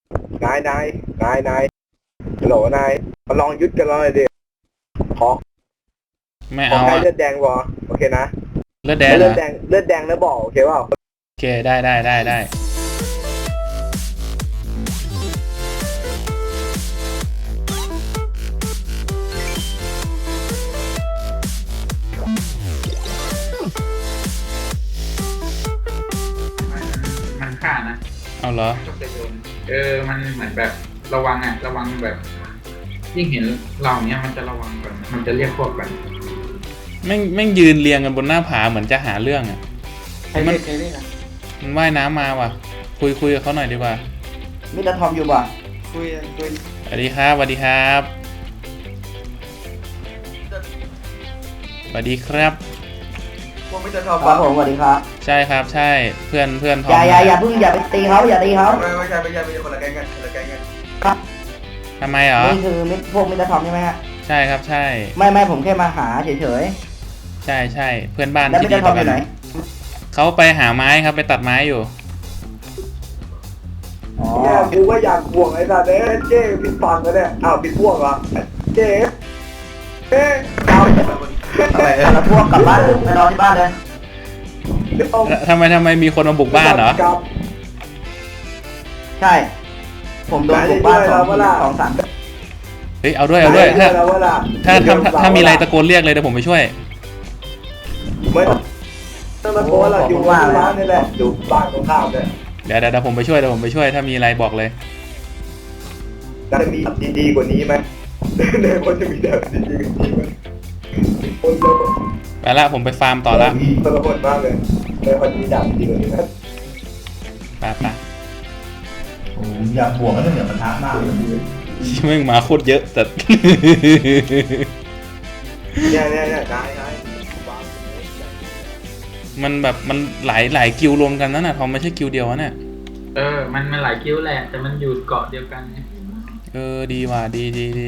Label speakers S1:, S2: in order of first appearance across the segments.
S1: นายฮัลโหลนายมาลองยึดกันเลยดิขอ
S2: ไม่
S1: ขอ
S2: เอา
S1: ใคร
S2: อะ
S1: เลือดแดงวะโอเคนะ
S2: เลือดแดงเหร
S1: เลือ
S2: อ
S1: ดแดงแล้วบอกโอเคเปล่า
S2: โอเคได้
S3: มันฆ่านะ
S2: เอาเหรอ
S3: ก็จะโดนมันเหมือนแบบระวังระวังแบบยิ่งเห็นเราเนี้ยมันจะระวังแบบมันจะเรียกพวกแบบ
S2: แม่งยืนเรียงกันบนหน้าผาเหมือนจะหาเรื่องอ่ะมันว่ายน้ำมาว่ะคุยกับเขาหน่อยดีกว่า
S1: มิสเตอร์ทอมอยู่ป่ะคุย
S2: สวัสดีครับสวัสดีครับสวัสดีครับ
S1: พวกมิสเตอร์ทอมครับผมสวัสดีครับ
S2: ใช่ครับใช่เพื่อนทอม
S1: อย่าเพิ่งอย่าไปตีเขาอย่าตีเขาไม่ใช่คนละแก๊งกันครับ
S2: ทำไมเหรอ
S1: นี่คือพวกมิสเตอร์ทอมใช่ไหมฮะ
S2: ใช่ครับใช่
S1: ไม่ผมแค่มาหาเฉย
S2: ใช่เพื่อนบ้าน
S1: ที่ดีต่อกัน
S2: เขาไปหาไม้ครับไปตัดไม้อยู่
S1: เนี่ยกูก็อยากบวกไอ้สัตว์เนี่ยเจ๊ผิดฟังกันเนี่ยอ้าวผิดพวกเหรอเจ๊เอาแล้วพวกกลับบ้านไปนอนที่บ้านเลย
S2: ทำไมมีคนมาบุกบ้านเหรอ
S1: ใช่ผมโดนบุกบ้านสองสาม
S2: เฮ้ยเอาด้วยถ้ามีอะไรตะโกนเรียกเลยเดี๋ยวผมไปช่วย
S1: ไม่ต้องตะโกนหรอกอยู่บ้านนี่แหละอยู่บ้านตรงข้ามเลย
S2: เดี๋ยวผมไปช่วยถ้ามีอะไรบอกเลย
S1: จะมีดีกว่านี้ไหมในคนจะมีแบบดีกว่านี้ไหมคนเดียว
S2: ไปละผมไปฟาร์มต่อละ
S1: คนละคนมากเลยในคนมีดับดีกว่านี้นะ
S2: ไป
S1: ผมอยากบวกก็ต้องเหนือปะทะมากเลย
S2: แม่งมาโคตรเยอะแต่
S1: เนี่ยได้
S2: มันแบบมันหลายกิลรวมกันนั่นน่ะทอมไม่ใช่กิลเดียวนะ
S3: มันหลายคิวแหละแต่มันอยู่เกาะเดียวกัน
S2: ดีว่ะดี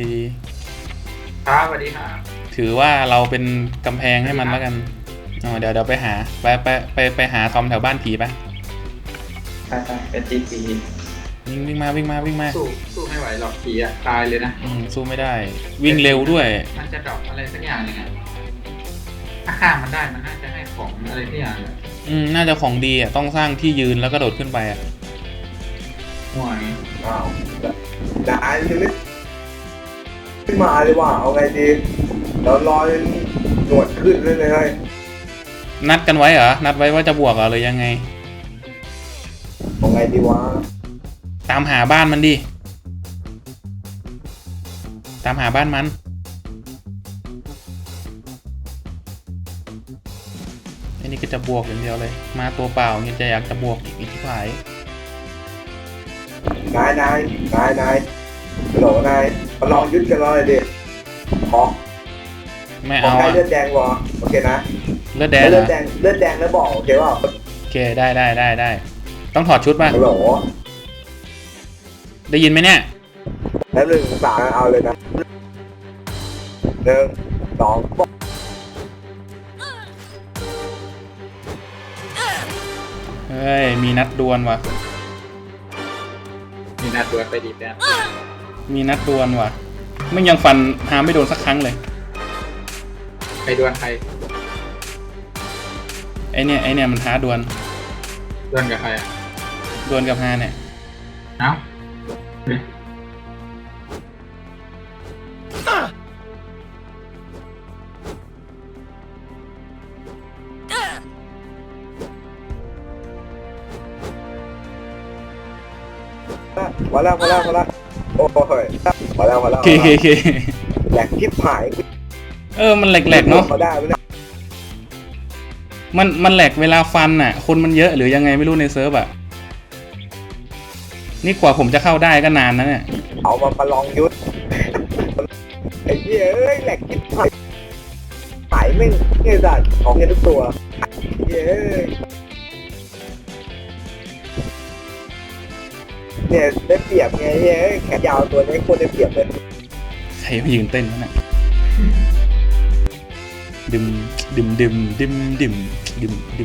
S3: ครับสวัสดีครับ
S2: ถือว่าเราเป็นกำแพงให้มันแล้วกันเดี๋ยวไปหาไปหาทอมแถวบ้านผีไป
S3: เป็นจีพี
S2: วิ่งมา
S3: สู้ไม่ไหวหรอกผีตายเลยนะ
S2: สู้ไม่ได้วิ่งเร็วด้วย
S3: มันจะดรอปอะไรสักอย่างนึงถ้าฆ่ามันได้มันน่าจะให้ของอะไรสักอย่าง
S2: น่าจะของดีต้องสร้างที่ยืนแล้วก็โดดขึ้นไป
S3: ห่วย
S1: อ้าวได้ยังไม่มาเลยว่ะเอาไงดีเรารอหนวดขึ้นเลย
S2: นัดกันไว้เหรอนัดไว้ว่าจะบวกเหรอหรือยังไง
S1: เอาไงดีวะ
S2: ตามหาบ้านมันดิตามหาบ้านมันอันนี้ก็จะบวกอย่างเดียวเลยมาตัวเปล่าเนี่ยจะอยากจะบวกอีกที่ผาย
S1: นายฮัลโหลนายมาลองยึดกันเลยดิขอ
S2: ไม่เอา
S1: เลือดแดงวะโอเคนะ
S2: เลือดแดง
S1: แล้วบอกโอเคว่า
S2: โอเคได้ต้องถอดชุดป่ะ
S1: ฮัลโหล
S2: ได้ยินไหมเนี่ย
S1: แล้ว1 3เอาเลยนะ1 2
S2: เฮ้ยมีนัดดวลว่ะ
S3: มีนัดดวลไปดีแป๊บ
S2: มีนัดดวลว่ะไม่ยังฟันหาไม่โดนสักครั้งเลย
S3: ใครดวลใคร
S2: ไอเนี่ยมันท้าดวล
S3: กับใคร
S2: ดวลกับฮาเนี่ย
S3: เอ้า
S1: พอแล้วโอ้ยพอแล้ว
S2: เค
S1: แหลกทิพหาย
S2: มันแหลกเนาะมันแหลกเวลาฟันน่ะคนมันเยอะหรือยังไงไม่รู้ในเซิร์ฟนี่กว่าผมจะเข้าได้ก็นานนะเนี่ย
S1: เอามาประลองยุทธไอ้เหี้ยแหลกทิพหายไม่เงี้ยสัตว์ของเงี้ยทุกตัวเนี่ยได้เปรียบไงแขนยาวตัวนี้ควรได้เปรียบเลย
S2: ใครมายืนเต้นนั่นน่ะดึม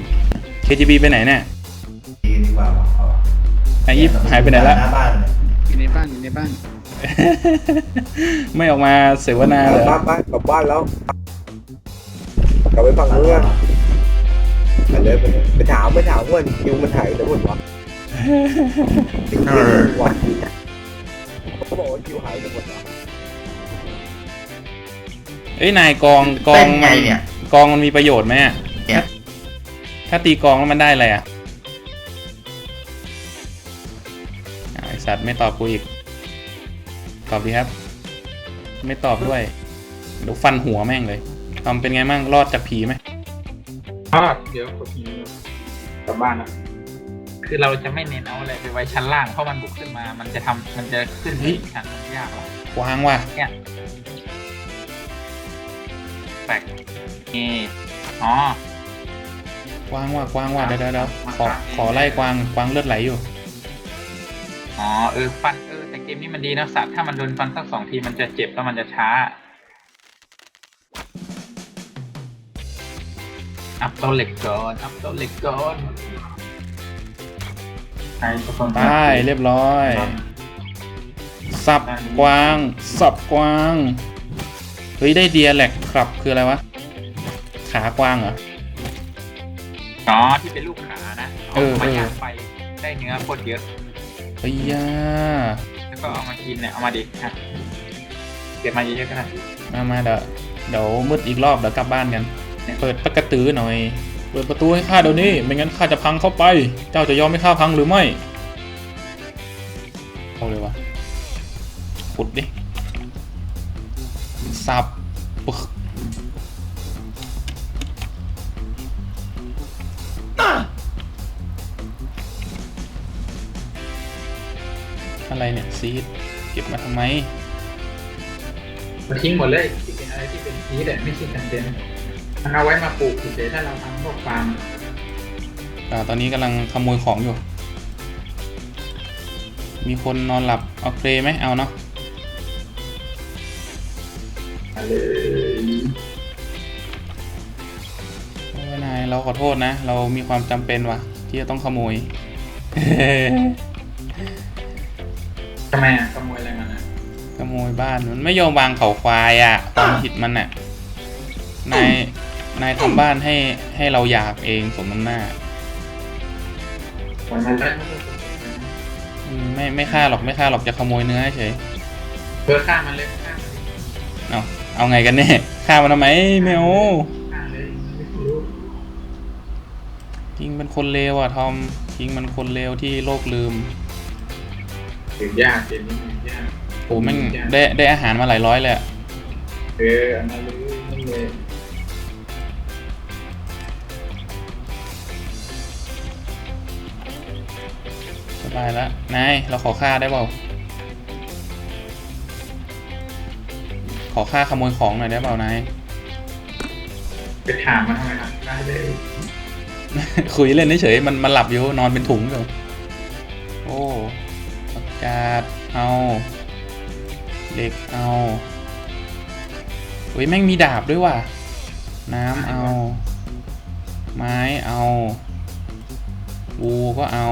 S2: KGB ไปไหนเนี่ย
S1: ดีกว่า
S2: ไอ้ยิปหายไปไหนละ
S3: อยู่ในบ้านอยู่ในบ้าน
S2: ไม่ออกมาเสวนาเหรอ
S1: ไปกลับบ้านแล้วกลับไปฝั่งนู้นกันไปเลยไปถามว่าคิวมันถ่ายแล้วหมดวะเขาบอกว่าคิวหายไปหมดแล้ว
S2: เอ้ยนายกอง
S4: เป็นไงเนี่ย
S2: กองมันมีประโยชน์ไหมอะ
S4: เนี่ย
S2: ถ้าตีกองแล้วมันได้อะไรอ่ะไอสัตว์ไม่ตอบกูอีกตอบดีครับ ไม่ตอบด้วยเดี๋ยวฟันหัวแม่งเลยทำเป็นไงมั่งรอดจากผีไหม
S3: เดี๋ยวกดทีกลับบ้านนะคือเราจะไม่เน้นเอาอะไรไปไว้ชั้นล่างเพราะมันบุกขึ้นมา มันจะขึ้นที่ชั้นมันยากหรอก
S2: วางว่ะ
S3: เนี่ยแปลกนี่อ๋อ
S2: กวางว่ะเดี๋ยวขอไล่กวางเลือดไหลอยู่
S3: อ๋อฟันแต่เกมนี้มันดีนะสัตว์ถ้ามันโดนฟันสัก2 ทีมันจะเจ็บแล้วมันจะช้าอัพตัวเหล็กก่อนใครสักคน
S2: ได้เรียบร้อย สับกวางเฮ้ยได้เดียแหลกครับคืออะไรวะขากวางเหรอ
S3: อ๋อที่เป็นลูกขานะมาย่างไปได้เนื้อโคตรเยอะ
S2: เฮ้ยย่า
S3: แล้วก็เอามากินเนี่ยเอามาดิฮะเก็บมาเยอะๆก็ได้
S2: มาเดี๋ยวมืดอีกรอบเดี๋ยวกลับบ้านกันเปิดประตูหน่อยเปิดประตูให้ข้าเดี๋ยวนี้ไม่งั้นข้าจะพังเข้าไปเจ้าจะยอมให้ข้าพังหรือไม่เอาเลยวะขุดดิสับปึ๊กอะไรเนี่ยซีดเก็บมาทำไม
S3: มาทิ้งหมดเลยที่เป็นอะไรที่เป็นพีชไม่ใช่กันเด่นมันเอาไว้มาปลูกเฉยๆถ้าเราทำพวกฟาร์ม
S2: ตอนนี้กำลังขโมยของอยู่ มีคนนอนหลับเอาเครไหมเอาเนาะ
S3: เลย
S2: โอ้ยนายเราขอโทษนะ เรามีความจำเป็นว่ะ ที่จะต้องขโมย
S3: ทำไมอ่ะขโมยอะไรมันอ่ะ
S2: ขโมยบ้านมันไม่ยอมวางเขาควายอ่ะความผิดมันอ่ะนายทำบ้านให้เราอยากเองสมน้ำหน้า
S3: มันได้
S2: ไม่ฆ่าหรอกจะขโมยเนื้อเฉย
S3: ฆ่ามันเลยฆ่ามันเลย
S2: เอาไงกันแน่ฆ่ามันทำไมไม่เอา
S3: ฆ่าเลยไม่รู้
S2: คิงเป็นคนเลวอ่ะทอมคิงมันคนเลวที่โลกลืม
S3: ถึงยากเกมนี้ยาก
S2: โอ้แม่งได้อาหารมาหลายร้อยเลยอะ
S3: อันนั้นเลย
S2: สบายแล้วนายเราขอฆ่าได้เปล่าขอฆ่าขโมยของหน่อยได้เปล่านาย
S3: ไปถามมันทำไมครับได้เลย
S2: คุยเล่นเฉยๆมันหลับอยู่นอนเป็นถุงอยู่โอ้อากาศเอาเหล็กเอาเฮ้ยแม่งมีดาบด้วยว่ะน้ำเอาไม้เอาวูก็เอา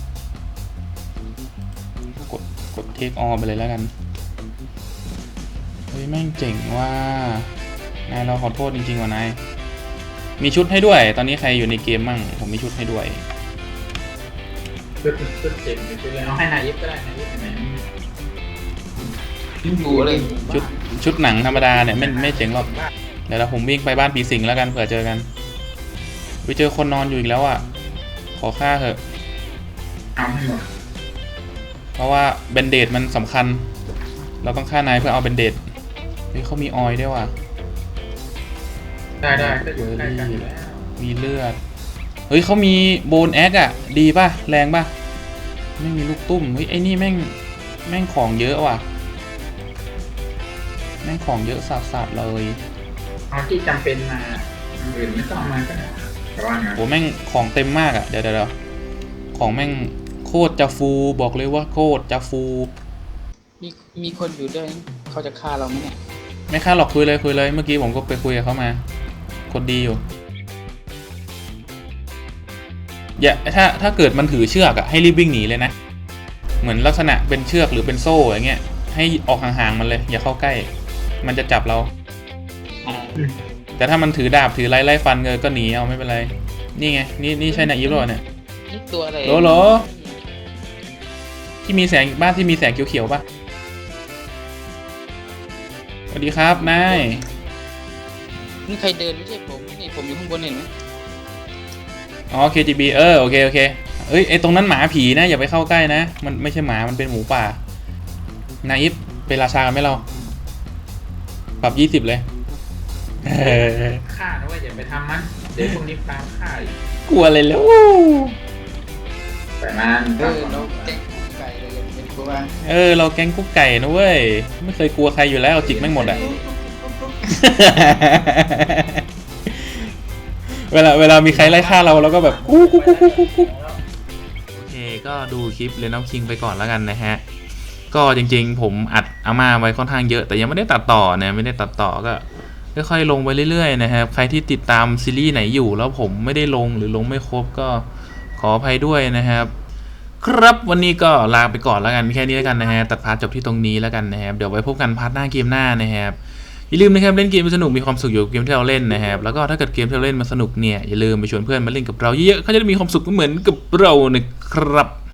S2: กดเทคออไปเลยแล้วกันเฮ้ยแม่งเจ๋งว่านายเราขอโทษจริงๆว่ะนายมีชุดให้ด้วยตอนนี้ใครอยู่ในเกมมั่งผมมีชุดให้ด้วย
S3: ชุดเจ๋งไปเลยเอาให้นายยิบก็ได้นายยิบไหนอยู่อะไร
S2: ชุดหนังธรรมดาเนี่ยไม่เจ๋งหรอกเดี๋ยวผมวิ่งไปบ้านผีสิงแล้วกันเผื่อเจอกันไปเจอคนนอนอยู่อีกแล้วอ่ะขอฆ่าเถอะ
S3: เอาให้หมด
S2: เพราะว่าเบนเดดมันสำคัญเราต้องฆ่านายเพื่อเอาเบนเดดเฮ้ยเขามีออยล์ด้วยว่ะ
S3: ได้ก็อยู่ใกล้กันอยู่แล้ว
S2: มีเลือดเฮ้ยเขามีโบนแอคอะดีป่ะแรงป่ะไม่มีลูกตุ้มเฮ้ยไอ้นี่แม่งของเยอะว่ะแม่งของเยอะสัสๆเลย
S3: เอาที่จำเป็นมาอื่นไม่ต้องมาก็ได้แต่ว่าไง
S2: โหแม่งของเต็มมากอะเดี๋ยวของแม่งโคตรจะฟูบอกเลยว่าโคตรจะฟู
S5: มีคนอยู่ด้วยเขาจะฆ่าเราไหมเนี่ย
S2: ไม่ฆ่าหรอกคุยเลยเมื่อกี้ผมก็ไปคุยกับเขามาคนดีอยู่อย่าถ้าเกิดมันถือเชือกอะให้รีบวิ่งหนีเลยนะเหมือนลักษณะเป็นเชือกหรือเป็นโซ่อย่างเงี้ยให้ออกห่างๆมันเลยอย่าเข้าใกล้มันจะจับเรา แต่ถ้ามันถือดาบถือไล่ฟันก็หนีเอาไม่เป็นไรนี่ไงนี่ใช่นาอีฟหรอเนี่ย
S5: นี่ตัวอะไร
S2: โหลที่มีแสงบ้านที่มีแสงเขียวๆป่ะสวัสดีครับนาย
S5: นี่ใครเดินไม่ใช่ผมนี่ผมอยู่ข้างบนเห็นไหม
S2: อ๋อ KGB โอเคเอ้ยไอตรงนั้นหมาผีนะอย่าไปเข้าใกล้นะมันไม่ใช่หมามันเป็นหมูป่านาอีฟเป็นราชากันไหมเราปรับ20เลย
S3: ฆ่านะว่าอย่าไปทำมันเดี๋ยวพวกนี้ตามฆ่าอีก
S2: กลัวเลยแล้ว
S3: แต่มัน
S5: เราแกงไก่เลยเป็นตัวว่า
S2: เราแก๊งกุ๊กไก่นะเว้ยไม่เคยกลัวใครอยู่แล้วจิกแม่งหมดอ่ะ เวลามีใครไล่ฆ่าเราก็แบบกุ๊กโอเคก็ดูคลิปเรนเอาคิงไปก่อนแล้วกันนะฮะก็จริงๆผมอัดอาม่าไว้ค่อนข้างเยอะแต่ยังไม่ได้ตัดต่อนะไม่ได้ตัดต่อก็ค่อยๆลงไปเรื่อยๆนะครับใครที่ติดตามซีรีส์ไหนอยู่แล้วผมไม่ได้ลงหรือลงไม่ครบก็ขออภัยด้วยนะครับครับวันนี้ก็ลาไปก่อนแล้วกันแค่นี้แล้วกันนะฮะตัดพาร์ทจบที่ตรงนี้แล้วกันนะครับเดี๋ยวไว้พบกันพาร์ทหน้าเกมหน้านะครับอย่าลืมนะครับเล่นเกมสนุกมีความสุขอยู่กับเกมที่เราเล่นนะครับแล้วก็ถ้าเกิดเกมที่เราเล่นมันสนุกเนี่ยอย่าลืมไปชวนเพื่อนมาเล่นกับเราเยอะๆเขาจะได้มีความสุขเหมือนกับเรานะครับ